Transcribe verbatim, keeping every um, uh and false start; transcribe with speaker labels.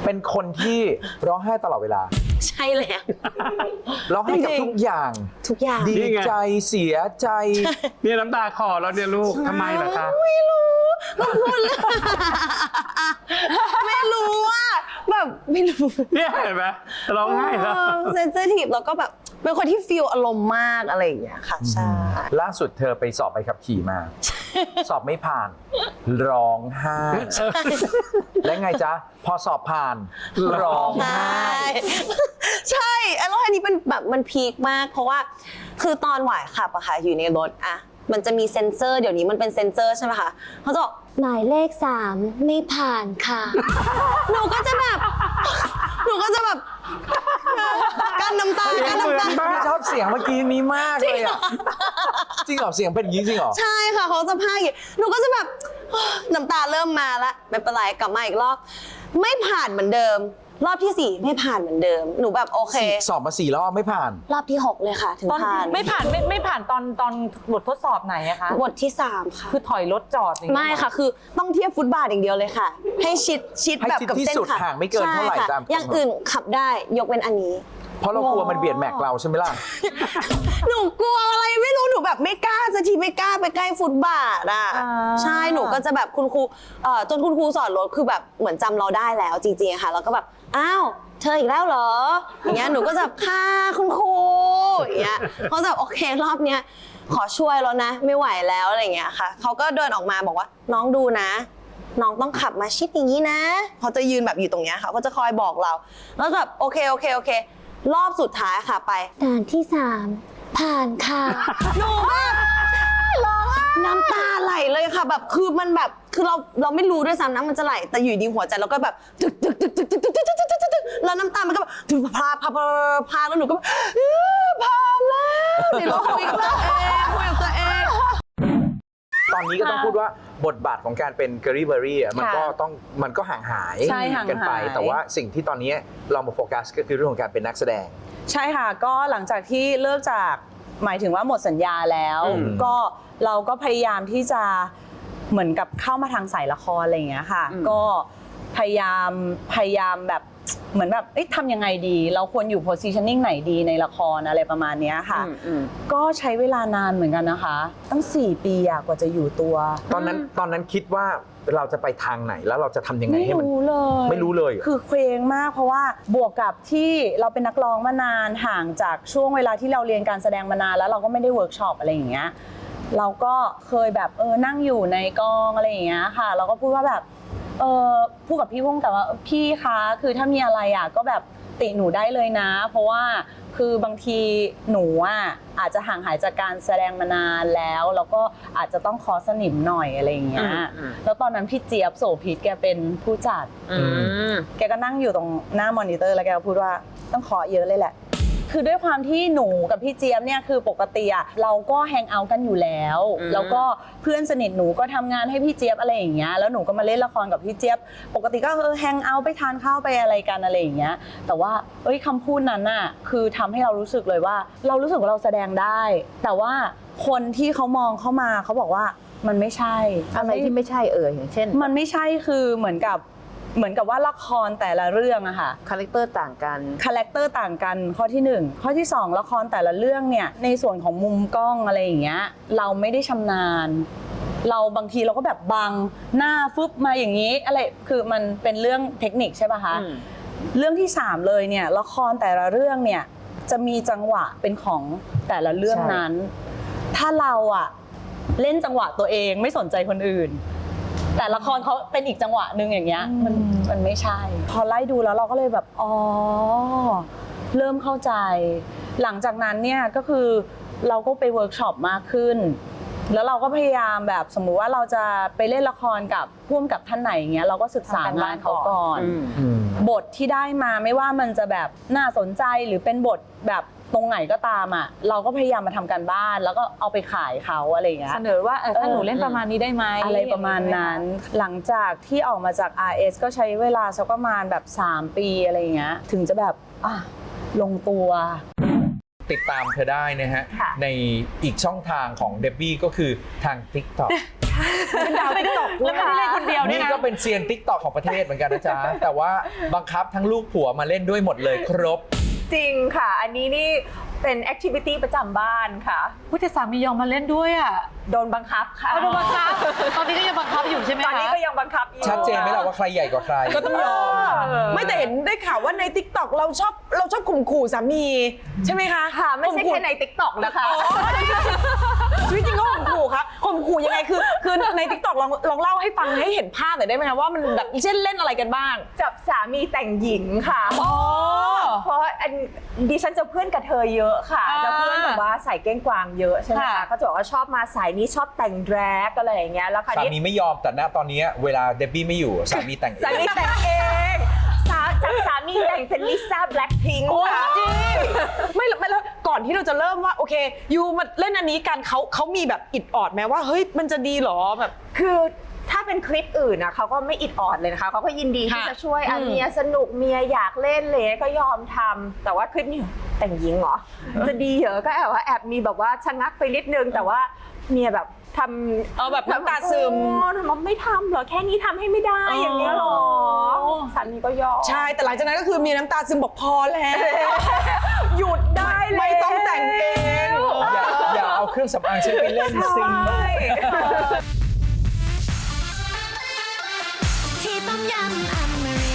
Speaker 1: เป็นคนที่ร้องไห้ตลอดเวลา
Speaker 2: ใช่แล้ว
Speaker 1: ร้องไห้กับทุกอย่าง
Speaker 2: ทุกอย่าง
Speaker 1: ดีใจเสียใจ
Speaker 3: เนี่ยน้ำตาคลอแล้วเนี่ยลูกทำไมล่ะคะ
Speaker 2: ไม่รู้ก็พูดเลยไม่รู้ว่าแบบไม่รู้
Speaker 3: เนี่ยเห็นไหมร้องไห้แล้ว
Speaker 2: เซนซิทีฟแล้วก็แบบเป็นคนที่ฟีลอารมณ์มากอะไรอย่างเงี้ยค่ะใช่
Speaker 1: ล่าสุดเธอไปสอบใบขับขี่มาสอบไม่ผ่านร้องไห้และไงจ๊ะพอสอบผ่านร้องไห้
Speaker 2: ใช่แล้วอันนี้เป็นแบบมันพีคมากเพราะว่าคือตอนหวายขับอะค่ะอยู่ในรถอะมันจะมีเซ็นเซอร์เดี๋ยวนี้มันเป็นเซ็นเซอร์ใช่ไหมคะเขาจะบอกหมายเลขสามไม่ผ่านค่ะหนูก็จะแบบหนูก็จะแบบกั้นน้ำตากั้นน้ำตา
Speaker 1: ชอบเสียงเมื่อกี้นี้มากเลยอะจริงเหรอเสียงเป็นอย่างนี้จริงเหรอ
Speaker 2: ใช่ค่ะเขาจะพากอย่างหนูก็จะแบบน้ำตาเริ่มมาละไม่เป็นไรกลับมาอีกรอบไม่ผ่านเหมือนเดิมรอบที่สี่ไม่ผ่านเหมือนเดิมหนูแบบโอเค
Speaker 1: สอบมาสี่รอบไม่ผ่าน
Speaker 2: รอบที่หกเลยค่ะถึงผ่าน
Speaker 4: ไม่ผ่านไม่ไม่ผ่านตอนตอนบททดสอบไหนอะคะ
Speaker 2: บทที่สามค่ะ
Speaker 4: คือถอยรถจอด
Speaker 2: ไม่ค่ะคือต้องเทียบฟุตบาทอย่างเดียวเลยค่ะให้ชิดชิดแบบกับเส้นค่ะ
Speaker 1: ห่างไม่เกินเท่าไหร่ตาม
Speaker 2: อย่างอื่นขับได้ยกเว้นอันนี้
Speaker 1: เพราะเรากลัวมันเบียดแม็กเราใช่ไหมล่ะ
Speaker 2: หนูกลัวอะไรไม่รู้หนูแบบไม่กล้าสักทีไม่กล้าไปใกล้ฟุตบาทอ่ะใช่หนูก็จะแบบคุณครูเอ่อจนคุณครูสอนรถคือแบบเหมือนจำเราได้แล้วจริงๆค่ะแล้วก็แบบอ้าวเธออีกแล้วเหรออย่างเงี้ยหนูก็จะค่ะคุณครูอย่างเงี้ยเขาจะโอเครอบเนี้ยขอช่วยแล้วนะไม่ไหวแล้วอะไรเงี้ยค่ะเขาก็เดินออกมาบอกว่าน้องดูนะน้องต้องขับมาชิดอย่างนี้นะเขาจะยืนแบบอยู่ตรงเนี้ยค่ะเขาจะคอยบอกเราแล้วแบบโอเคโอเคโอเครอบสุดท้ายค่ะไปด่านที่สามผ่านค่ะหนูแบบร้องน้ำตาไหลเลยค่ะแบบคือมันแบบคือเราเราไม่รู้ด้วยซ้ำนะมันจะไหลแต่อยู่ดีหัวใจเราก็แบบตึกตึกตึกตึกตึกตึกตึกตึกตึกตึกแล้วน้ำตามันก็แบบถึงพาพาพาพาแล้วหนูก็ผ่านแล้วเดี๋ยวเราคุยกันแล้วคุยกับตัวเอง
Speaker 1: ตอนนี้ก็ต้องพูดว่าบทบาทของการเป็นเกอรี่เบอรี่มันก็ต้องมันก็ห่างหายกันไปแต่ว่าสิ่งที่ตอนนี้เรามาโฟกัสก็คือเรื่องของการเป็นนักแสดง
Speaker 4: ใช่ค่ะก็หลังจากที่เลิกจากหมายถึงว่าหมดสัญญาแล้วก็เราก็พยายามที่จะเหมือนกับเข้ามาทางสายละครอะไรอย่างเงี้ยค่ะก็พยายามพยายามแบบเหมือนแบบเอ๊ะทำยังไงดีเราควรอยู่ positioning ไหนดีในละครอะไรประมาณนี้ค่ะก็ใช้เวลานานเหมือนกันนะคะตั้งสี่ปีกว่าจะอยู่ตัว
Speaker 1: ตอนนั้นตอนนั้นคิดว่าเราจะไปทางไหนแล้วเราจะทำยังไงให้มัน
Speaker 4: ไม่รู้เลย
Speaker 1: ไม่รู้เลย
Speaker 4: คือเคว้งมากเพราะว่าบวกกับที่เราเป็นนักร้องมานานห่างจากช่วงเวลาที่เราเรียนการแสดงมานานแล้วเราก็ไม่ได้เวิร์กช็อปอะไรอย่างเงี้ยเราก็เคยแบบเออนั่งอยู่ในกองอะไรอย่างเงี้ยค่ะเราก็พูดว่าแบบเออพูดกับพี่พุ่งแต่ว่าพี่คะคือถ้ามีอะไรอ่ะก็แบบติหนูได้เลยนะเพราะว่าคือบางทีหนูอ่ะอาจจะห่างหายจากการแสดงมานานแล้วแล้วก็อาจจะต้องขอสนิมหน่อยอะไรอย่างเงี้ยแล้วตอนนั้นพี่เจี๊ยบโสภิตแกเป็นผู้จัดแกก็นั่งอยู่ตรงหน้ามอนิเตอร์แล้วแกก็พูดว่าต้องขอเยอะเลยแหละคือด้วยความที่หนูกับพี่เจี๊ยบเนี่ยคือปกติอ่ะเราก็แฮงเอาท์กันอยู่แล้วแล้วก็เพื่อนสนิทหนูก็ทำงานให้พี่เจี๊ยบอะไรอย่างเงี้ยแล้วหนูก็มาเล่นละครกับพี่เจี๊ยบปกติก็เออแฮงเอาท์ไปทานข้าวไปอะไรกันอะไรอย่างเงี้ยแต่ว่าเอ้ยคำพูดนั้นน่ะคือทำให้เรารู้สึกเลยว่าเรารู้สึกว่าเราแสดงได้แต่ว่าคนที่เขามองเข้ามาเขาบอกว่ามันไม่ใช่
Speaker 5: อะไรที่ไม่ใช่เอ่ยอย่างเช่น
Speaker 4: มันไม่ใช่คือเหมือนกับเหมือนกับว่าละครแต่ละเรื่องอะค่ะ
Speaker 5: คาแรคเตอร์ต่างกัน
Speaker 4: คาแรคเตอร์ต่างกันข้อที่หนึ่งข้อที่สองละครแต่ละเรื่องเนี่ยในส่วนของมุมกล้องอะไรอย่างเงี้ยเราไม่ได้ชำนาญเราบางทีเราก็แบบบังหน้าฟึบมาอย่างนี้อะไรคือมันเป็นเรื่องเทคนิคใช่ป่ะคะเรื่องที่สามเลยเนี่ยละครแต่ละเรื่องเนี่ยจะมีจังหวะเป็นของแต่ละเรื่องนั้นถ้าเราอะเล่นจังหวะตัวเองไม่สนใจคนอื่นแต่ละครเขาเป็นอีกจังหวะหนึ่งอย่างเงี้ยมันมันไม่ใช่พอไล่ดูแล้วเราก็เลยแบบอ๋อเริ่มเข้าใจหลังจากนั้นเนี่ยก็คือเราก็ไปเวิร์กช็อปมากขึ้นแล้วเราก็พยายามแบบสมมุติว่าเราจะไปเล่นละครกับผู้กำกับท่านไหนอย่างเงี้ยเราก็ศึกษางานเขาก่อนบทที่ได้มาไม่ว่ามันจะแบบน่าสนใจหรือเป็นบทแบบตรงไหนก็ตามอ่ะเราก็พยายามมาทำการบ้านแล้วก็เอาไปขายเขาอะไรอย่างเงี้ยเสนอว่าเออถ้าหนูเล่นประมาณนี้ได้ไหมอะไรประมาณนั้นหลังจากที่ออกมาจาก อาร์ เอส ก็ใช้เวลาสักประมาณแบบสามปีอะไรอย่างเงี้ยถึงจะแบบอ่ะลงตัว
Speaker 1: ติดตามเธอได้นะฮะ
Speaker 6: ค่ะ
Speaker 1: ในอีกช่องทางของเดบบี้ก็คือทาง TikTok
Speaker 2: เป็นดาวติ๊กต็อก
Speaker 4: แล้วไม่ได้เล่นคนเดียวด้วย
Speaker 1: นี่
Speaker 4: นะ
Speaker 1: ก็เป็นเซียน TikTok ของประเทศเหมือนกันนะจ๊ะ แต่ว่าบังคับทั้งลูกผัวมาเล่นด้วยหมดเลยครบ
Speaker 6: จริงค่ะ อันนี้นี่เป็นแอคทิวิตี้ประจำบ้านค่ะ
Speaker 4: ผู้แต่สามียอมมาเล่นด้วยอ่ะ
Speaker 6: โดนบังคับค่ะ
Speaker 4: เอาโดนบังคับ ตอนนี้ก็ยังบังคับอยู่ใช่ไหม
Speaker 6: ตอน
Speaker 4: คะ
Speaker 6: นี้ก็ยังบังคับอยู่
Speaker 1: ชัดเจนไหมล่ะว่าใครใหญ่กว่าใคร
Speaker 2: ก็ต้องยอม ไม่แต่เห็นได้ข่าวว่าใน TikTok เราชอบเราชอบข่มขู่สามี ใช่ไหมคะ
Speaker 6: ค่ะ ไม่ใช่
Speaker 2: ข่
Speaker 6: แค่
Speaker 2: ขู่
Speaker 6: ใน ติ๊กต็อก นะคะ
Speaker 2: ชีวิตจริงก็ข่มขู่ครับข่มขู่ยังไงคือคือใน TikTok ลองลองเล่าให้ฟังให้เห็นภาพหน่อยได้ไหมคะว่ามันแบบเช่นเล่นอะไรกันบ้าง
Speaker 6: จับสามีแต่งหญิงค่ะ
Speaker 2: อ๋อ
Speaker 6: เพราะอันดิฉันจะเพื่อนกับเธอเยอะค่ะ
Speaker 4: อ่า
Speaker 6: จะเพื่อนแบบว่าใส่เก้งกวางเยอะใช่ไหม
Speaker 4: ค่ะ
Speaker 6: คะก็จะบอกว่าชอบมาสายนี้ชอบแต่งแดรกอะไรอย่างเงี้ยแล้วคราว
Speaker 1: สา
Speaker 6: นี้
Speaker 1: มีไม่ยอมแต่ณตอนนี้เวลาเดบบี้ไม่อยู่สามีแต่งเอง
Speaker 6: สามีแต่งเองสาจากสามีแต่งเป็นลิซ่าแบล็คพิงค์ค่ะ
Speaker 2: จริงไม่ไม่แล้วก่อนที่เราจะเริ่มว่าโอเคยูมาเล่นอันนี้กันเขาเขามีแบบอิดออดไหมว่าเฮ้ยมันจะดีเหรอแบบ
Speaker 6: คือถ้าเป็นคลิปอื่นนะเขาก็ไม่อิดออดเลยนะคะเขาก็ยินดีที่
Speaker 2: ค่ะ
Speaker 6: จะช่วยอ่ะ
Speaker 2: อืม
Speaker 6: เมียสนุกเมียอยากเล่นเลยก็ยอมทำแต่ว่าคลิปนี้แต่งหญิงเหรอ จะดีเหรอก็แอบว่าแอบมีแบบว่าชะงักไปนิดนึงแต่ว่าเมียแบบทำ
Speaker 2: เอาแบบน้ำตาซึม
Speaker 6: โอ้ทำไมไม่ทำเหรอแค่นี้ทำให้ไม่ได้
Speaker 2: อ๋อ
Speaker 6: อ
Speaker 2: อย่าง
Speaker 6: เงี้ยเหรอสามีก็ยอม
Speaker 2: ใช่แต่หลังจากนั้นก็คือมีน้ำตาซึมบอกพอแล้ว
Speaker 6: หยุดได้เลย
Speaker 2: ไม่ต้องแต่งเอง
Speaker 1: อย่าอย่าเอาเครื่องสำอางฉันไปเล่นซิ
Speaker 6: ใช่
Speaker 7: ที่ต้มยำอเมริ